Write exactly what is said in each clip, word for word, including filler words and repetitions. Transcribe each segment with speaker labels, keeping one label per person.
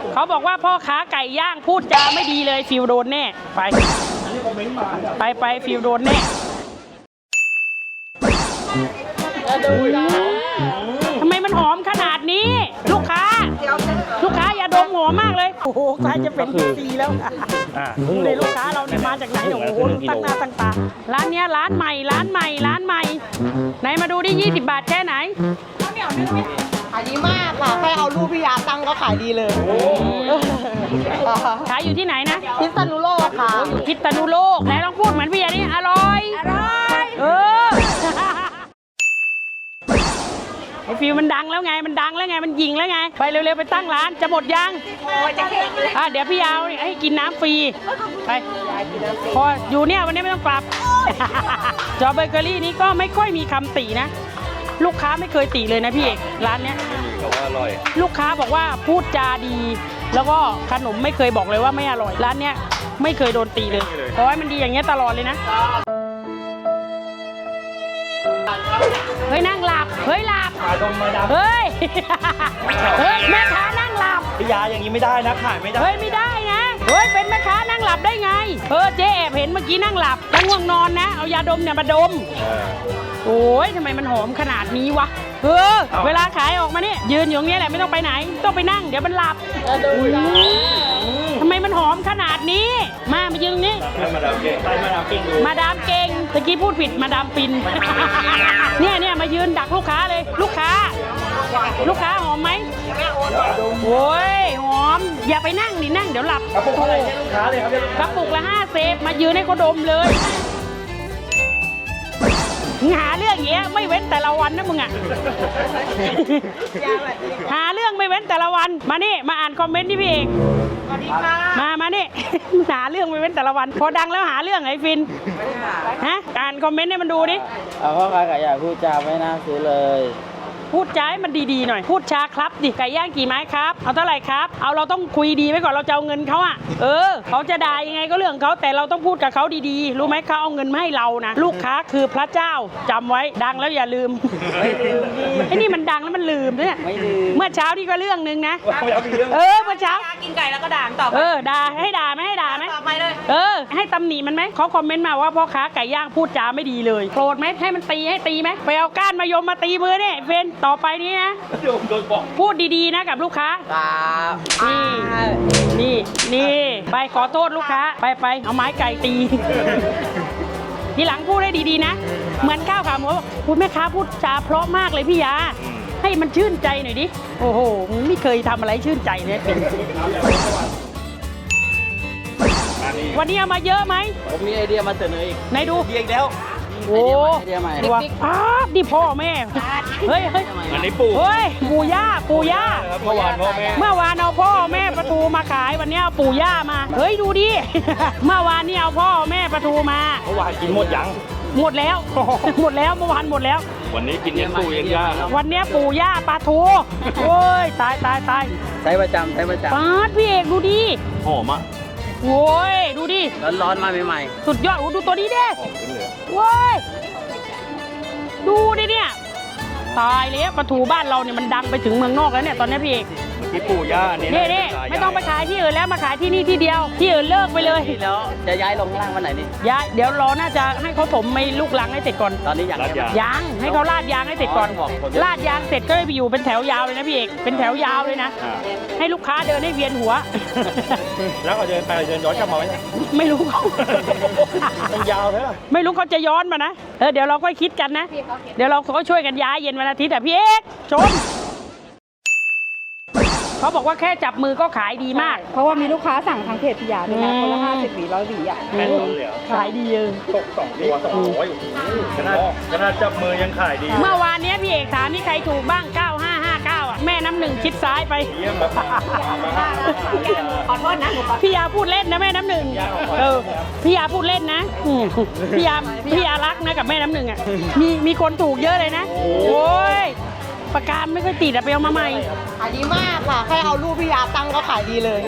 Speaker 1: เขาบอกว่าพ่อค้าไก่ย่างพูดจาไม่ดีเลยฟิวโดนแน่ไปไปไปฟิวโดนแน่ทำไมมันหอมขนาดนี้ ลูกค้าลูกค้าอย่าดมหอมมากเลยโอ้โหใกล้จะเป็นปีแล้วเลยลูกค้าเราเนี่ยมาจากไหนโอ้โหตั้งหน้าตั้งตาร้านเนี้ยร้านใหม่ร้านใหม่ร้านใหม่ไหนมาดูดิยี่สิบบาทแค่ไหน
Speaker 2: ขายดีมากค่ะแค่เอารูปพี่ยาตั้งก็ขายดีเลย
Speaker 1: ขายอยู่ที่ไหนนะ
Speaker 2: พิษณุโลกค่ะ
Speaker 1: อยู่พิษณุโลกไหนลองพูดเหมือนพี่ยานี่อร่อยอร่อยเออไอฟิวมันดังแล้วไงมันดังแล้วไงมันยิงแล้วไงไปเร็วๆไปตั้งร้านจะหมดยังอ่ะเดี๋ยวพี่ยาวให้กินน้ำฟรีไปพออยู่เนี่ยวันนี้ไม่ต้องปรับจอเบเกอรี่นี้ก็ไม่ค่อยมีคำตินะลูกค้าไม่เคยติเลยนะพี่เอกร้านเนี้ยลูกค้าบอกว่าพูดจาดีแล้วก็ขนมไม่เคยบอกเลยว่าไม่อร่อยร้านเนี้ยไม่เคยโดนตีเลยขอให้มันดีอย่างเงี้ยตลอดเลยนะเฮ้ยนั่งหลับเฮ้ยหลับเฮ้ยเฮ้ยแม่ค้านั่งหลับ
Speaker 3: พี่ยาอย่างนี้ไม่ได้นะขายไม่ได้
Speaker 1: เฮ้ยไม่ได้นะเฮ้ยเป็นแม่ค้านั่งหลับได้ไงเออเจ๊แอบเห็นเมื่อกี้นั่งหลับแล้วง่วงนอนนะเอายาดมเนี่ยมาดมโอ้ยทำไมมันหอมขนาดนี้วะเออเวลาขายออกมาเนี่ยยืนอยู่ตรงนี้แหละไม่ต้องไปไหนต้องไปนั่งเดี๋ยวมันหลับทำไมมันหอมขนาดนี้มามายืนนี้มาดามเก่งมาดามเก่งมาดามเก่งตะกี้พูดผิดมาดามปินเนี่ยเนี่ยมายืนดักลูกค้าเลยลูกค้าลูกค้าหอมไหมโอ้ยหอมอย่าไปนั่งดินั่งเดี๋ยวหลับ
Speaker 3: กระปุกอะไรลูกค้าเลยครับ
Speaker 1: กระปุกละห้าเซฟมายืนให้เขาดมเลยหาเรื่องเงี้ยไม่เว้นแต่ละวันนะมึงอ่ะหาเรื่องไม่เว้นแต่ละวันมานี่มาอ่านคอมเมนต์ที่พี่เอก
Speaker 2: สวัสดีค่ะ
Speaker 1: มามานี่หาเรื่องไม่เว้นแต่ละวันพอดังแล้วหาเรื่องไอ้ฟินฮะอ่านคอมเมนต์ให้มันดูดิ
Speaker 4: เอาพ่อค้าไก่ย่างพูดจาไม่น่าซื้อเลย
Speaker 1: พูดจาให้มันดีๆหน่อยพูดช้าครับดิไก่ย่างกี่ไม้ครับเอาเท่าไหร่ครับเอาเราต้องคุยดีไว้ก่อนเราจะเอาเงินเขาอ่ะเออเขาจะด่ายังไงก็เรื่องเขาแต่เราต้องพูดกับเขาดีๆรู้ไหมเขาเอาเงินมาให้เรานะลูกค้าคือพระเจ้าจำไว้ดังแล้วอย่าลืมไอ้นี่มันดังแล้วมันลืมเนี่ยเมื่อเช้านี่ก็เรื่องนึงนะเออเมื่อเช้า
Speaker 2: กินไก่แล้วก็ด่าต่อ
Speaker 1: เออด่าให้ด่าไหมให้ด่าไหม
Speaker 2: ต่อไปเลย
Speaker 1: เออให้ตำหนิมันไหมเขาคอมเมนต์มาว่าพ่อค้าไก่ย่างพูดจาไม่ดีเลยโกรธไหมให้มันตีให้ตีไหมไปเอาก้านมายมมาตีมือเนี่ยเฟนต่อไปนี้นะพูดดีๆนะกับลูกค้านี่นี่นี่ไปขอโทษลูกค้าไปไปเอาไม้ไก่ตีทีหลังพูดได้ดีๆนะเหมือนข้าวขาหมูพูดแม่ค้าพูดจาเพราะมากเลยพี่ยาให้มันชื่นใจหน่อยดิโอ้โหไม่เคยทำอะไรชื่นใจเลยเป็นวันนี้เอามาเยอะไหม
Speaker 4: ผมมีไอเดียมาเสนออีก
Speaker 1: ไหนดู
Speaker 3: เดียกแล้ว
Speaker 1: โอ้ดิอ้าดิพ่อแม่เฮ้ยเฮ้ย
Speaker 3: อันนี้ปู่
Speaker 1: เฮ้ยปู่ย่าปู่ย่า
Speaker 3: เมื่อวานพ่อแม่
Speaker 1: เมื่อวานเอาพ่อแม่ปลาทูมาขายวันนี้เอาปู่ย่ามาเฮ้ยดูดิเมื่อวานนี่เอาพ่อแม่ปลาทูมา
Speaker 3: เมื่อวานกินหมดยัง
Speaker 1: หมดแล้วหมดแล้วเมื่อวานหมดแล้ว
Speaker 3: วันนี้กินยังปู่ยังย่า
Speaker 1: วันนี้ปู่ย่าปลาทูโอ้ยตายตายตาย
Speaker 4: ใช้ประจำใช้ประจำ
Speaker 1: ปาดพี่เอกดูดิ
Speaker 3: หอมอ่ะ
Speaker 1: โว้ยดูดิ
Speaker 4: ร้อนๆมาใหม่
Speaker 1: ๆสุดยอดโอ้ดูตัวนี้ดิโว้ยดูดิเนี่ยตายแล้วปลาทูบ้านเราเนี่ยมันดังไปถึงเมืองนอกแล้วเนี่ยตอนนี้พี่เอก
Speaker 3: ที่ปู่ย่าเนี่ย
Speaker 1: นี่นี่ไม่ต้องไปขายที่อื่นแล้วมาขายที่นี่ที่เดียวที่อื่นเลิกไปเลย
Speaker 4: แล้วจะย้ายลงล่างวันไหนนี่
Speaker 1: ย้ายเดี๋ยวรอน่าจะให้เขาถมไม่ลูกหลังให้เสร็จก่อน
Speaker 4: ตอนนี้ยัง
Speaker 1: ยังให้เขาลาดยางให้เสร็จก่อนลาดยางเสร็จก็ไปอยู่เป็นแถวยาวเลยนะพี่เอกเป็นแถวยาวเลยนะให้ลูกค้าเดินให้เวียนหัว
Speaker 3: แล้วเขาเดินไปเดินย้อนกลับมาไหม
Speaker 1: ไม่รู้เขา
Speaker 3: มันยาวใช่ไหม
Speaker 1: ไม่รู้เขาจะย้อนมานะเออเดี๋ยวเราก็คิดกันนะเดี๋ยวเราก็ช่วยกันย้ายเย็นวันอาทิตย์แต่พี่เอกชมเขาบอกว่าแค่จับมือก็ขายดีมาก
Speaker 2: เพราะว่ามีลูกค้าสั่งทางเพจพิยาด้วยนะคนละห้าสิบหวีร้อยหวีอ่ะ
Speaker 1: ขายดีเออ
Speaker 3: ตกสองตัวสองร้อยขนาดขนาดจับมือยังขายดี
Speaker 1: เมื่อวานนี้พี่เอกถามมีใครถูกบ้างเก้าห้าห้าเก้าอ่ะแม่น้ำหนึ่งชิดซ้ายไป
Speaker 2: ขอโทษนะ
Speaker 1: พี่ยาพูดเล่นนะแม่น้ำหนึ่งเออพี่ยาพูดเล่นนะพี่ยาพี่ยารักนะกับแม่น้ำหนึ่งอ่ะมีมีคนถูกเยอะเลยนะโอ้ยปากกาไม่ค่อยติดอะไปเอามาใหม่
Speaker 2: ขายดีมากค่ะแค่เอารูปพี่ยาตั้งก็ขายดีเลย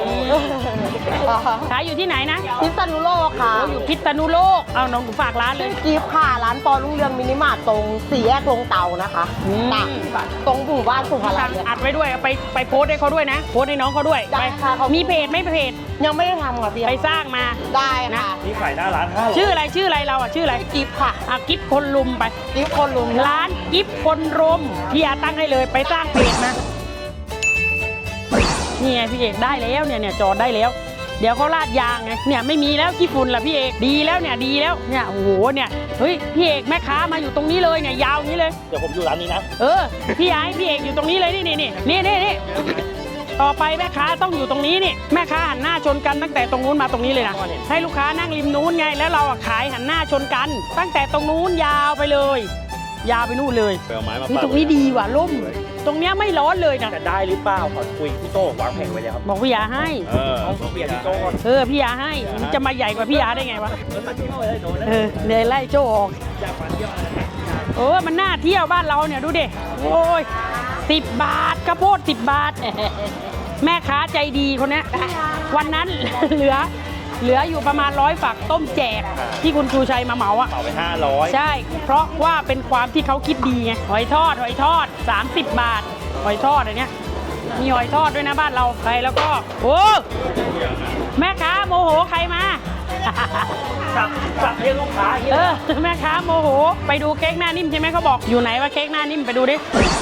Speaker 1: ขายอยู่ที่ไหนนะ
Speaker 2: พิษณุโลกค่ะ
Speaker 1: อยู่พิษณุโลกเอาน้องฝากร้านเลย
Speaker 2: กิฟต์ค่ะร้านปอรุ่งเรืองมินิมาร์ทตรงสี่แยกลงเตานะคะ
Speaker 1: อืม
Speaker 2: ตักตรงหมู่บ้านสุภาลั
Speaker 1: สั่
Speaker 2: ย
Speaker 1: งอัดไว้ด้วยไปไปโพสต์ให้เขาด้วยนะโพสต์ให้น้องเขาด้วย
Speaker 2: ได้
Speaker 1: ไป
Speaker 2: ค่ะขอบคุณ
Speaker 1: มีเพจไหม่เพจ
Speaker 2: ยังไม่ได้ทำค่ะพี่
Speaker 1: ไปสร้างมา
Speaker 2: ได้ค่ะ
Speaker 3: นี่ขายหน้าร้านห้าร้อย
Speaker 1: ชื่ออะไรชื่ออะไรเราอ่ะชื่ออะไร
Speaker 2: กิฟต์ค่ะ
Speaker 1: อ่ะกิฟคนลุมไป
Speaker 2: กิฟต์คนลุม
Speaker 1: ร้านกิฟคนรุมพี่อาตั้งให้เลยไปสร้างเพจมานี่ไงพี่เอกได้แล้วเนี่ยเนี่ยจอดได้แล้ว เดี๋ยวเขาลาดยางไงเนี่ยไม่มีแล้วขี้ฝุ่นละพี่เอกดีแล้วเนี่ยดีแล้วเนี่ยโอ้โหเนี่ยเฮ้ยพี่เอกแม่ค้ามาอยู่ตรงนี้เลยเนี่ยยาวอย่างนี้เลย
Speaker 3: เดี๋ยวผมอยู่ร้านนี้นะ
Speaker 1: เออพี่ไอ้พี่เอกอยู่ตรงนี้เลยนี่นี่นี่นี่นี่นี่ต่อไปแม่ค้าต้องอยู่ตรงนี้นี่แม่ค้าหันหน้าชนกันตั้งแต่ตรงนู้นมาตรงนี้เลยนะให้ลูกค้านั่งริมนู้นไงแล้วเราอะขายหันหน้าชนกัน ตั้งแต่ตรงนู้นยาวไปเลย ยาวไปนู่นเลย
Speaker 3: ไปเอาไม้มา
Speaker 1: นี่
Speaker 3: ปัก
Speaker 1: ตรงนี้ดีว่ะร่ม ตรงเนี้ยไม่ร้อนเลยนะ
Speaker 3: จะได้หรือเปล่าขอคุยพี่โต้วางแผงไว้แล้วครับ
Speaker 1: บอกพี่ยาให้
Speaker 3: เออต้องเปลี่ยนพี่โต้ก่อน
Speaker 1: เออพี่ยาให้มันจะมาใหญ่กว่าพี่ยาได้ไงวะ
Speaker 3: เออตัดที่เข้าไปเลยโดนนะ
Speaker 1: เออเลยไล่โจ้ออก
Speaker 3: อยากฟันเที่ยวอะไรนะ
Speaker 1: เออมันน่าเที่ยวบ้านเราเนี่ยดูดิโอ้ยสิบบาทข้าวโพดสิบบาท แม่ค้าใจดีคนเนี้ยวันนั้น เหลือ เหลืออยู่ประมาณร้อยฝักต้มแจกที่คุณชูชัยมาเหมาอ่ะ
Speaker 3: เป่าไปห้าร้อย
Speaker 1: ใช่ เพราะว่าเป็นความที่เขาคิดดีไงหอยทอดหอยทอดสามสิบบาทหอยทอดอะไรเนี้ยมีหอยทอดด้วยนะบ้านเราไปแล้วก็โอ้แม่ค้าโมโหใครมา
Speaker 3: สับสับเรียกลูกค้าเฮีย
Speaker 1: เออแม่ค้าโมโหไปดูเค้กหน้านิ่มใช่ไหมเขาบอกอยู่ไหนว่าเค้กหน้านิ่มไปดูดิ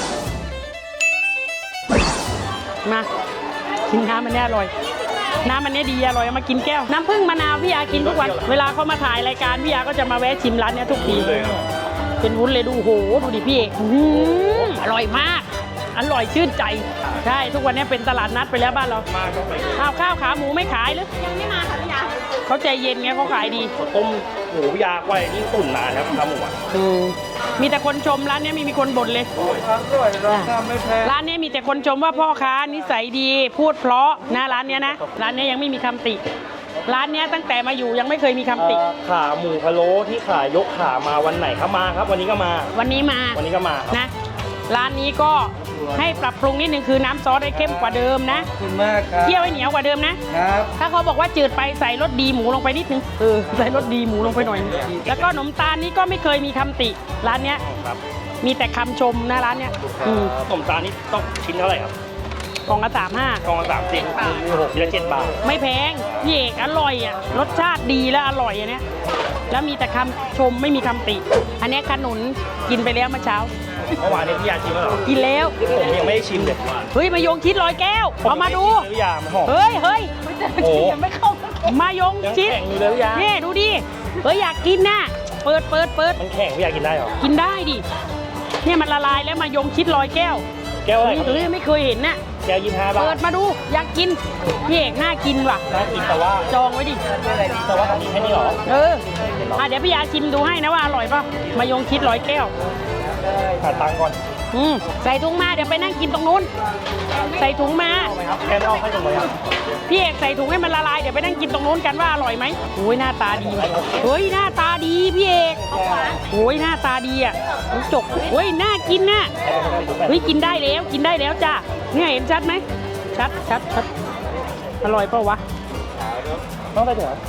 Speaker 1: มากินน้ำมันเนี่ยอร่อยน้ำมันเนี่ยดีอร่อยเอามากินแก้วน้ำผึ้งมะนาวพี่ยากินทุกวันเวลาเขามาถ่ายรายการพี่ยาก็จะมาแวะชิมร้านเนี้ยทุกที
Speaker 3: เลยครับ
Speaker 1: เป็นวุ้นเลยดูโอ้โหดูดิพี่เอกอื้อหืออร่อยมาก อร่อยชื่นใจใช่ทุกวันนี้เป็นตลาดนัดไปแล้วบ้านเรา
Speaker 3: มาก็ไป
Speaker 1: ข้าวข้าวขาหมูไม่ขายหรือยังไม่มาค่ะพี่ยาเขาใจเย็นไงเขาขายดี
Speaker 3: ต้มหมูยากไว้นี่ตุ๋นนานครับทำหมูอ่ะ
Speaker 1: อืมมีแต่คนชมร้านเนี้ยไมีมีคนบ่นเลย
Speaker 3: ร้านอร่อยราคาไม่แพง
Speaker 1: ร้านเนี้ยมีแต่คนชมว่าพ่อค้านิสัยดีพูดเพราะนะร้านเนี้ยนะร้านเนี้ยยังไม่มีคำติ ร้านเนี้ยตั้งแต่มาอยู่ยังไม่เคยมีคำติ
Speaker 3: เอ่อขาหมูพะโล้ที่ขายยกขามาวันไหนครับมาครับ วันนี้ก็มา
Speaker 1: วันนี้มา
Speaker 3: วันนี้ก็มาครับ
Speaker 1: นะร้านนี้ก็ให้ปรับปรุงนิดนึงคือน้ำซอสให้เข้มกว่าเดิมนะ
Speaker 3: ขอบคุณมากครับ
Speaker 1: เคี่ยวให้เหนียวกว่าเดิมนะ
Speaker 3: ครับ
Speaker 1: ถ้าเขาบอกว่าจืดไปใส่รสดีหมูลงไปนิดนึงเออใส่รสดีหมูลงไปหน่อย แล้วก็ขนมตาลนี้ก็ไม่เคยมีคำติ ร้านเนี้ย
Speaker 3: ครับ
Speaker 1: มีแต่คำชมนะร้านเนี้ยอืม
Speaker 3: ขนมตาลนี่ต้องชิ้นเท่าไหร่ครับ
Speaker 1: กล่องละสามห้าก
Speaker 3: ล่องละสามสิบมีหกชิ้นละเจ็ดบาท
Speaker 1: ไม่แพงพี่เอกอร่อยอ่ะรสชาติดีและอร่อยอันเนี้ยแล้วมีแต่คำชมไม่มีคำติ อันเนี้ยขนุนกินไปแล้วเมื่อเช้า
Speaker 3: เมื่อวานนี้พี่ยาชิมแล้วเหรอ
Speaker 1: กินแล้ว
Speaker 3: ผมยังไม่ได้ชิมเลย
Speaker 1: เฮ้ยมายงชิดร้อยแก้วเอามาดู
Speaker 3: พี่ยามันหอม
Speaker 1: เฮ้ยเฮ้ย
Speaker 3: โอ้
Speaker 1: มายง
Speaker 3: ยัง
Speaker 1: ชิด
Speaker 3: แข็งอยู่เลยพี่ยา
Speaker 1: นี่ดูดิเฮ้ยอยากกินน่ะเปิดเปิดเปิด
Speaker 3: มันแข็งพี่ยากินได้เหรอ
Speaker 1: กินได้ดิเนี่ยมันละลายแล้วมายงชิดร้อยแก้ว
Speaker 3: แก้วอะไรครับ
Speaker 1: เฮ้ยไม่เคยเห็นน่ะ
Speaker 3: แก้วยี่สิบห้าบา
Speaker 1: เปิ
Speaker 3: ท
Speaker 1: ดมาดูอยากกินพี่เอกน่ากินว่ะ
Speaker 3: น่ากินแต่ว่า
Speaker 1: จองไว้ดิ
Speaker 3: แต่ว่าทำนี้แค่นี้เหรอ
Speaker 1: เอออ่ะเดี๋ยวพี่ยาชิมดูให้นะว่าอร่อยป่ะมายงชิดร้อยแก้ว
Speaker 3: หาตังค์ก่อน
Speaker 1: อืมใส่ถุงมาเดี๋ยวไปนั่งกินตรงนู้น ใส่ถุงมา
Speaker 3: เอาไหมครับแค่ไม่เอาให้ตรงเลยครับ
Speaker 1: พี่เอกใส่ถุงให้มันละลายเดี๋ยวไปนั่งกินตรงนู้นกันว่าอร่อยไหมโอ้ยหน้าตาดีว่ะเฮ้ยหน้าตาดีพี่เอกโอ้ยหน้าตาดีอ่ะน้ำจกเฮ้ยน่ากินน่ะเฮ้ยกินได้แล้วกินได้แล้วจ้าเนี่ยเห็นชัดไหมชัดชัดชัดอร่อยเปล่าวะ
Speaker 3: ต้องได้ถึงเหรอ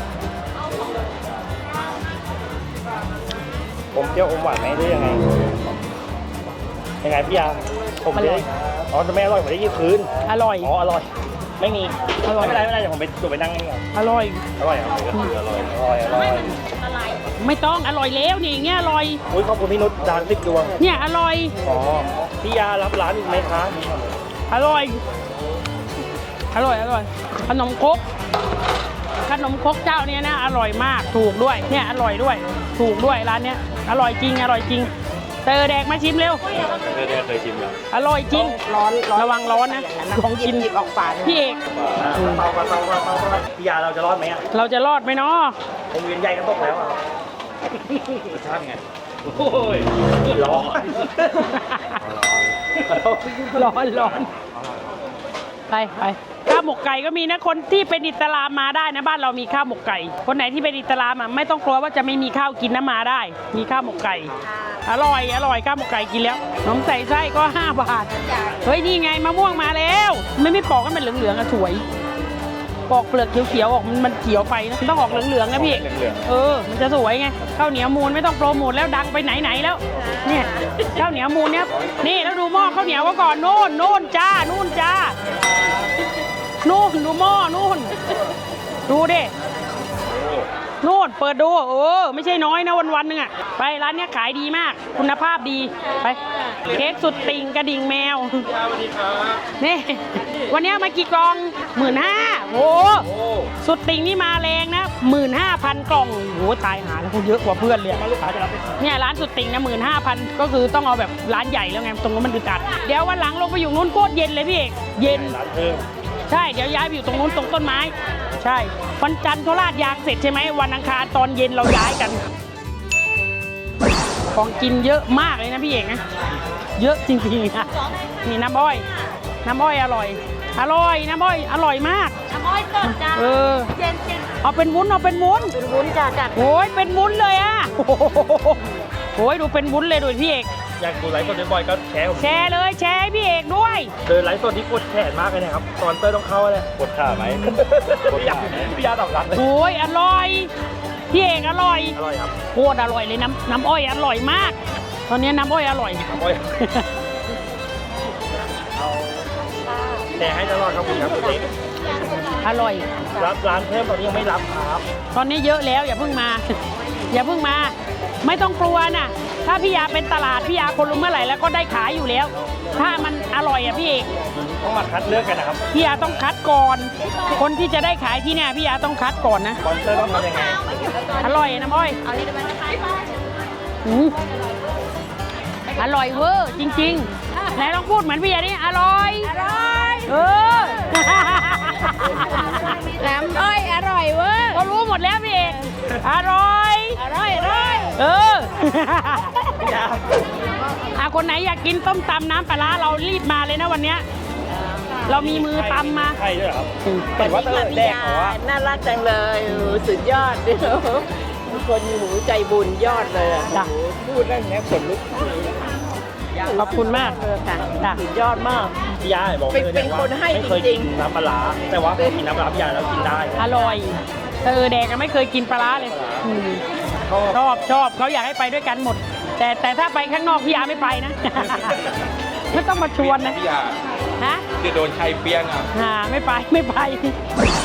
Speaker 3: ผมเปรี้ยวอมหวานไหมหรือยังไง ยังไงพี่ยาผมจะได้อ๋อจะไม่อร่อยผมได้ยี่คืน
Speaker 1: อร่อย
Speaker 3: อ๋ออร่อย ไม่มี
Speaker 1: อร่อย
Speaker 3: ไม่เป็นไรไม่เป็นไรเดี๋ยวผมไปดูไปนั่งนี่ก่อน
Speaker 1: อร่อย
Speaker 3: อร่อยเหรออร่อยอร่อยอร่อย
Speaker 1: ไม่ต้องอร่อยแล้วนี่อย่างเงี้ยอร่อย
Speaker 3: อุ้ยขอบคุณพี่นุชดานสิบดวง
Speaker 1: เนี่ยอร่อย
Speaker 3: อ๋อพี่ยารับร้านอีกไหมคะ
Speaker 1: อร่อย อร่อย อร่อย ขนมครก ขนมครกเจ้าเนี้ยนะ อร่อยมาก ถูกด้วย เนี่ยอร่อยด้วย ถูกด้วยร้านเนี้ย อร่อยจริง อร่อยจริง เตอแดกมาชิมเร็ว
Speaker 3: เคยเคยชิมแล้ว
Speaker 1: อร่อยจริง ร้อน ระวังร้อนนะ ของกิน
Speaker 2: หยิบออกฝา
Speaker 1: พี่เอก
Speaker 3: เตาเตาเตาเตาเตาพี่ยาเราจะรอดไหมอ่ะ
Speaker 1: เราจะรอดไหมเนาะ
Speaker 3: วงเวียนใหญ่ก็ตกแล้วอ่ะรสชาติไงโอ้ยร้อน
Speaker 1: ร้อนร้อนไปไปข้าวหมกไก่ก็มีนะคนที่เป็นอิสลามมาได้นะบ้านเรามีข้าวหมกไก่ คนไหนที่เป็นอิสลามอ่ะไม่ต้องกลัวว่าจะไม่มีข้าวกินนะมาได้ มีข้าวหมกไก่อร่อยอร่อยข้าวหมกไก่กินแล้วขนมใส่ไส้ก็ห้าบาทเฮ้ยนี่ไงมะม่วงมาแล้วไม่ไม่ปอกให้มันเหลืองๆอะสวยปอกเปลือกเขียวๆออกมันมันเขียวไปนะมันต้องออกเหลืองๆนะพี่เออมันจะสวยไงข้าวเหนียวมูลไม่ต้องโปรโมทแล้วดังไปไหนๆแล้วเนี่ยข้าวเหนียวมูลเนี่ยนี่แล้วดูหม้อข้าวเหนียวก็ก่อนโน่นโน่นจ้านู่นจ้านู่นดูหม้อนู่นดูดินู่นเปิดดูเออไม่ใช่น้อยนะวันวันๆหนึงอะไปร้านเนี้ยขายดีมากคุณภาพดีไปเค้กสุดติ่งกระดิ่งแมวนี่วันเนี้ยมากี่กล่องหมื่นห้าโอ้สุดติ่งนี่มาแรงนะหมื่นห้าพันกล่องโอ้ตายหาแล้วเยอะกว่าเพื่อนเลยเนี่ยร้านสุดติ่งนะหมื่นห้าพันก็คือต้องเอาแบบร้านใหญ่แล้วไงตรงนั้นมันอึดอัดเดี๋ยววันหลังลงไปอยู่นู้นโคตรเย็นเลยพี่เอกเย็น
Speaker 3: ร้านเพิ่ม
Speaker 1: ใช่เดี๋ยวย้ายไปอยู่ตรงนู้นตรงต้นไม้ใช่วันจันทร์เขาลาดยางเสร็จใช่ไหมวันอังคารตอนเย็นเราย้ายกัน ของกินเยอะมากเลยนะพี่เอกนะเยอะจริงๆนะนี่น้ำอ้อยน้ำอ้อยอร่อย อร่อยน้ำอ้อยอร่อยมาก
Speaker 2: น้ำอ้อยสดจ้า
Speaker 1: เออ
Speaker 2: เย็นเย็น
Speaker 1: เอาเป็นวุ้นเอาเป็นวุ้น
Speaker 2: เป็นวุ้นจ้าจัด
Speaker 1: โอ้ยเป็นวุ้นเลยอ่ะโอ้โหโอ้ยดูเป็นวุ้นเลยดูพี่เอก
Speaker 3: อยากดูไลฟ์สดบ่อยๆก็แชร์ผม
Speaker 1: แชร์เลยแชร์ให้พี่เอกด้วย
Speaker 3: เดินไลฟ์สดที่กดแขนมากเลยนะครับตอนเตอร์ต้องเข้าเลยกดขาไหมกดขาพี่ยาตอบรับเลย
Speaker 1: โอ้ยอร่อยพี่เอกอร่อย
Speaker 3: อร่อยครับ
Speaker 1: โคตรอร่อยเลยน้ำน้ำอ้อยอร่อยมาก ตอนนี้น้ำอ้อยอร่อย
Speaker 3: โอ้ยเอาแชร์ให้ตลอดครับคุณครับคุณเล็ก
Speaker 1: อร่อย
Speaker 3: รับร้านเพิ่มตอนนี้ยังไม่รับครับ
Speaker 1: ตอนนี้เยอะแล้วอย่าเพิ่งมา อย่าเพิ่งมา ไม่ต้องกลัวนะถ้าพี่ยาเป็นตลาดพี่ยาคนรู้เมื่อไหร่แล้วก็ได้ขายอยู่แล้ว ถ้ามันอร่อยอ่ะพี่เอก
Speaker 3: ต้องมาคัดเลือกกันนะครับ
Speaker 1: พี่ยาต้องคัดก่อน คนที่จะได้ขายที่เนี่ยพี่ยาต้องคัดก่อนนะ
Speaker 3: สปอนเซอร์ต้องทำยังไง
Speaker 1: อร่อยน้ำอ้อย
Speaker 2: เอานี่ได้ไหมนะคะ
Speaker 1: อืมอร่อยเวอร์จริงๆไหนลองพูดเหมือนพี่ยาดิอร่อย
Speaker 2: อร่อย
Speaker 1: เออ
Speaker 2: น้ำอ้อยอร่อยเว้ย
Speaker 1: ก็รู้หมดแล้วพี่เอกอร่อย
Speaker 2: อร่อยอร่อย
Speaker 1: เออ อาคนไหนอยากกินต้มตำน้ำปลาร้าเรารีบมาเลยนะวันเนี้ยเรามีมือตำมา
Speaker 3: ใช่ด้วยเหรอครับเห็นว่าเตอร์แดกเหรอวะ
Speaker 5: น่ารักจังเลยโอ้โหสุดยอดดิคนหูใจบุญยอดเลยอะ
Speaker 1: จ้ะ
Speaker 5: โอ้โหพูดได้แค่ขนลุก
Speaker 1: ขอบคุณมาก
Speaker 5: เลยค่ะ
Speaker 1: จ้ะ
Speaker 5: สุดยอดมาก
Speaker 3: พี่ยาบอก
Speaker 5: เป็น
Speaker 3: เลย
Speaker 5: เป็น
Speaker 3: ว่า
Speaker 5: คนให้
Speaker 3: ไม่เคย
Speaker 5: จริ
Speaker 3: กิน
Speaker 5: ง
Speaker 3: น้ำปลาร้าแต่ว่าพอกินน้ำปลาร้าพี่ยาแล้วกินได้
Speaker 1: อร่อยเออแดกก็ไม่เคยกินปลาร้าเลยอืม
Speaker 3: ชอบ
Speaker 1: ชอบชอบเขาอยากให้ไปด้วยกันหมด แต่แต่ถ้าไปข้างนอกพี่ยาไม่ไปนะ ไม่ต้องมาชวนนะ
Speaker 6: พี่ยา
Speaker 1: ฮะ
Speaker 6: จะโดนใครเปี้ยงอ่ะ
Speaker 1: อ่าไม่ไปไม่ไป